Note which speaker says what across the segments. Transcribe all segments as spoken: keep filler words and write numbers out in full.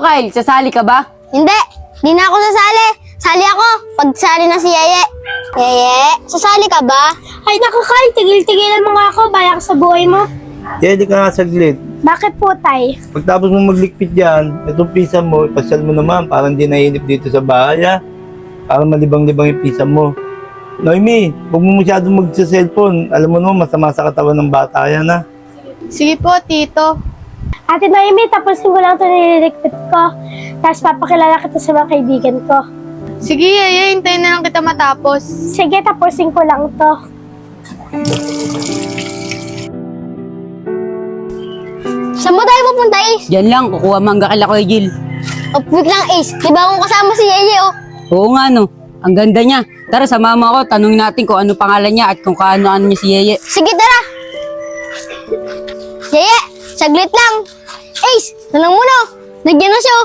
Speaker 1: Kyle, sasali ka ba?
Speaker 2: Hindi, di na ako sasali. Sali ako pag sali na si Yeye. Yeye, sasali ka ba? Ay naku Kyle, tigil-tigilan mo nga ako. Bayak sa buhay mo.
Speaker 3: Kaya di ka nga saglit.
Speaker 2: Bakit po, Tay?
Speaker 3: Pagtapos mo maglikpit dyan, itong pisa mo, ipasyal mo naman, parang di nainip dito sa bahay, ha? Parang malibang-libang yung pisa mo. Noemi, huwag mo masyadong magsa-cellphone. Alam mo naman, masama sa katawan ng bata yan, ha?
Speaker 4: Sige po, Tito.
Speaker 2: Ate Noemi, tapusin ko lang ito nililigpit ko. Tapos papakilala kita sa mga kaibigan ko.
Speaker 4: Sige, Yeye, hintayin na lang kita matapos.
Speaker 2: Sige, tapusin ko lang to. Saan mo tayo pupunta, Ace?
Speaker 1: Diyan lang, kukuha mangga kila Kuya Jill.
Speaker 2: Oh, wait lang, Ace. Di ba akong kasama si Yeye, oh?
Speaker 1: Oo nga no, ang ganda niya. Tara, sama mo ako, tanungin natin kung ano pangalan niya at kung kaano-ano niya si Yeye.
Speaker 2: Sige, tara. Yeye, saglit lang. Ace, nalang muna, oh. Nagyan na siya, oh.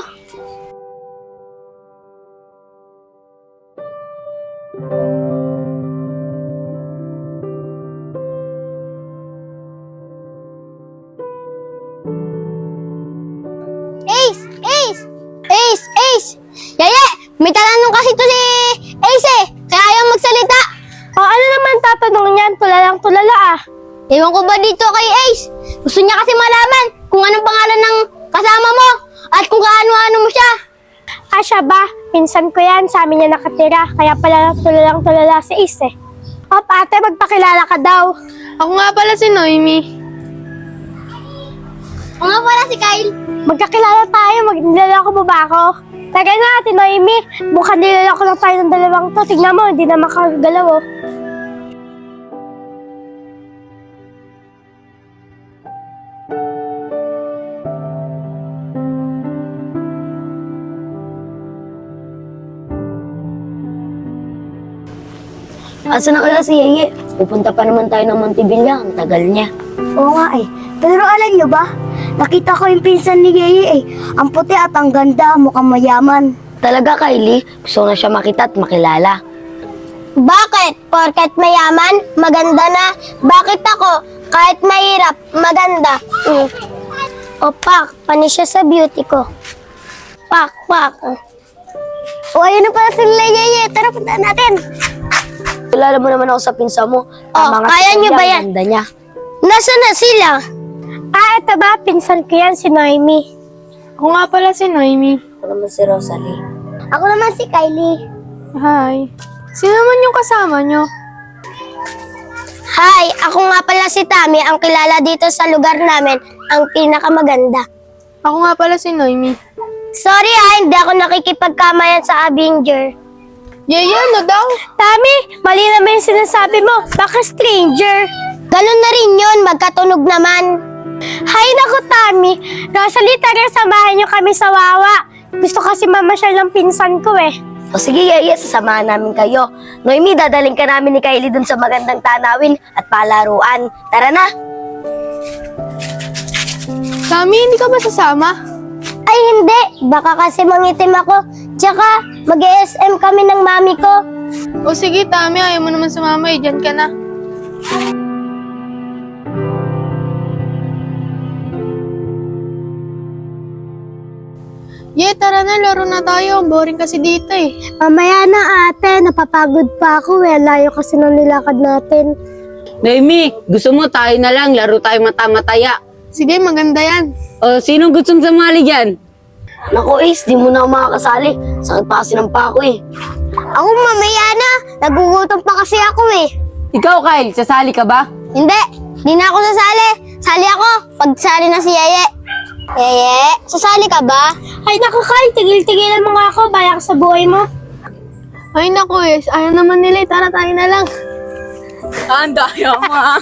Speaker 2: Ace! Ace! Ace! Ace! Yaya! May tatanong kasi to si Ace eh! Kaya ayaw magsalita! O ano naman tatanong niyan? Tulalang tulala ah! Ewan ko ba dito kay Ace? Gusto niya kasi malaman kung anong pangalan ng kasama mo at kung kaano-ano mo siya. Ah, siya ba? Pinsan ko yan. Sa amin niya nakatira. Kaya pala tulalang tulala si Ace eh. O ate, magpakilala ka daw.
Speaker 4: Ako nga pala si Noemi.
Speaker 2: O nga pala si Kyle. Magkakilala tayo, magniloloko mo ba ako? Tagay na, Ate Noemi. Mukhang niloloko lang tayo ng dalawang to. Tignan mo, hindi na makagalaw, oh.
Speaker 5: Asa na kaya si Yeye? Pupunta pa naman tayo ng Montevilla. Ang tagal niya.
Speaker 2: Oo nga eh. Pero alam niyo ba? Nakita ko yung pinsan ni Yeye eh. Ang puti at ang ganda, mukhang mayaman.
Speaker 5: Talaga, Kylie? Gusto ko na siya makita at makilala.
Speaker 2: Bakit? Porket mayaman, maganda na. Bakit ako? Kahit mahirap, maganda. Mm. O pak, panis siya sa beauty ko. Pak, pak. O ayun na pala sila Yeye. Tara, punta natin.
Speaker 5: Kilala mo naman ako sa pinsa mo.
Speaker 2: Oh,
Speaker 5: Tama nga
Speaker 2: kaya
Speaker 5: si
Speaker 2: niyo
Speaker 5: Kylie,
Speaker 2: ba
Speaker 5: ang
Speaker 2: yan?
Speaker 5: ganda niya.
Speaker 2: Nasaan na sila? Ah, ito ba? Pinsan ko yan, si Noemi.
Speaker 4: Ako nga pala si Noemi.
Speaker 5: Ako naman si Rosalie.
Speaker 2: Ako naman si Kylie.
Speaker 4: Hi. Sino naman yung kasama nyo?
Speaker 2: Hi, ako nga pala si Tami, ang kilala dito sa lugar namin, ang pinakamaganda.
Speaker 4: Ako nga pala si Noemi.
Speaker 2: Sorry ha, hindi ako nakikipagkamayan sa Avenger.
Speaker 4: Yeye, ano daw?
Speaker 2: Tami, mali naman yung sinasabi mo. Baka stranger. Ganun na rin yun, magkatunog naman. Hay naku, Tami. Rosalie, tara, samahan niyo kami sa Wawa. Gusto kasi mamasyal ng pinsan ko eh.
Speaker 5: O sige, Yeye, sasamahan namin kayo. Noemi, dadaling ka namin ni Kylie dun sa magandang tanawin at palaruan. Tara na!
Speaker 4: Tami, hindi ka ba sasama?
Speaker 2: Ay hindi, baka kasi mangitim ako. Tsaka, mag-E S M kami ng mami ko.
Speaker 4: O sige, Tami, ayaw mo naman sumama eh. Diyan ka na. Ye, tara na, laro na tayo. Boring kasi dito eh.
Speaker 2: Mamaya na ate, napapagod pa ako eh. Layo kasi ng nilakad natin.
Speaker 1: Noemi, gusto mo tayo na lang, laro tayo mata-mataya.
Speaker 4: Sige, maganda yan.
Speaker 1: O, sinong gustong sumali dyan?
Speaker 5: Naku, Ace, di mo na ako makakasali. Sakit pa kasi ng pako eh.
Speaker 2: Ako mamaya na, nagugutom pa kasi ako eh.
Speaker 1: Ikaw, Kyle, sasali ka ba?
Speaker 2: Hindi, di na ako sasali. Sali ako, pag sali na si Yeye. Yeye, sasali ka ba? Ay naku Kyle, tigil-tigilan mo nga ako, bayak sa buhay mo.
Speaker 4: Ay, naku eh. Ayaw naman nila eh. Tara, tayo na lang.
Speaker 1: Ang daya mo, ah.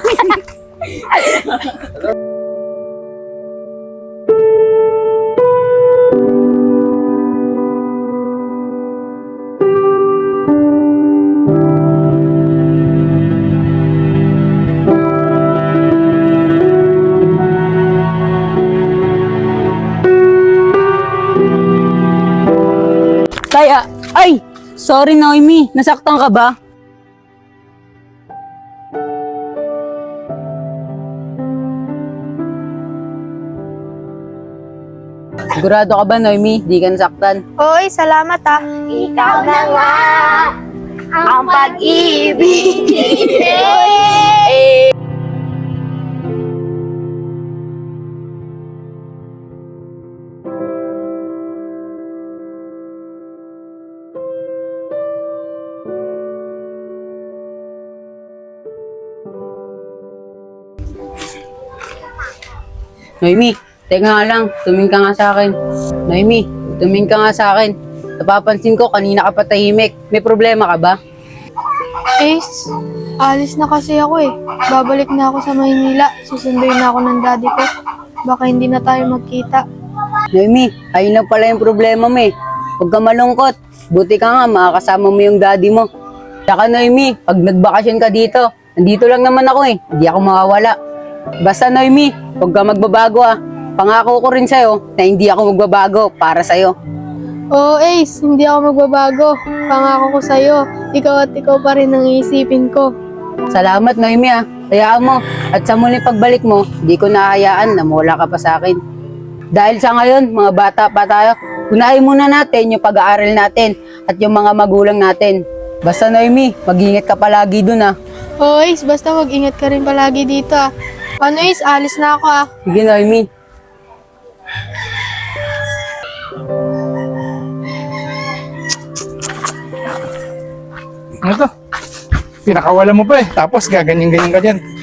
Speaker 1: Kaya, ay, sorry Noemi, nasaktan ka ba? Sigurado ka ba, Noemi? Di ka nasaktan?
Speaker 4: Oy, salamat ah.
Speaker 5: Ikaw na nga ang pag-ibig.
Speaker 1: Noemi, teka nga lang. Tumingin ka nga sa akin. Noemi, tumingin ka nga sa akin. Napapansin ko, kanina ka pa tahimik. May problema ka ba?
Speaker 4: Ace, alis na kasi ako eh. Babalik na ako sa Maynila. Susunduin na ako ng daddy ko. Baka hindi na tayo magkita.
Speaker 1: Noemi, ayun lang pala yung problema mo eh. Huwag ka malungkot. Buti ka nga, makakasama mo yung daddy mo. Tsaka Noemi, pag nagbakasyon ka dito, nandito lang naman ako eh. Hindi ako mawawala. Basta Noemi, huwag ka magbabago ah. Pangako ko rin sa'yo na hindi ako magbabago para sa'yo.
Speaker 4: Oo, Ace, hindi ako magbabago. Pangako ko sa'yo, ikaw at ikaw pa rin ang iisipin ko.
Speaker 1: Salamat Noemi ah. Hayaan mo. At sa muling pagbalik mo, di ko nahayaan na mawala ka pa sa akin. Dahil sa ngayon, mga bata pa tayo, unahin muna natin yung pag-aaral natin at yung mga magulang natin. Basta Noemi, mag-ingat ka palagi dun ah.
Speaker 4: Oo, Ace, basta mag-ingat ka rin palagi dito ah. Ano, Ace, alis na ako ah.
Speaker 1: Sige Noemi.
Speaker 6: Ano to? Pinakawala mo pa eh. Tapos gaganyan-ganyan ka dyan.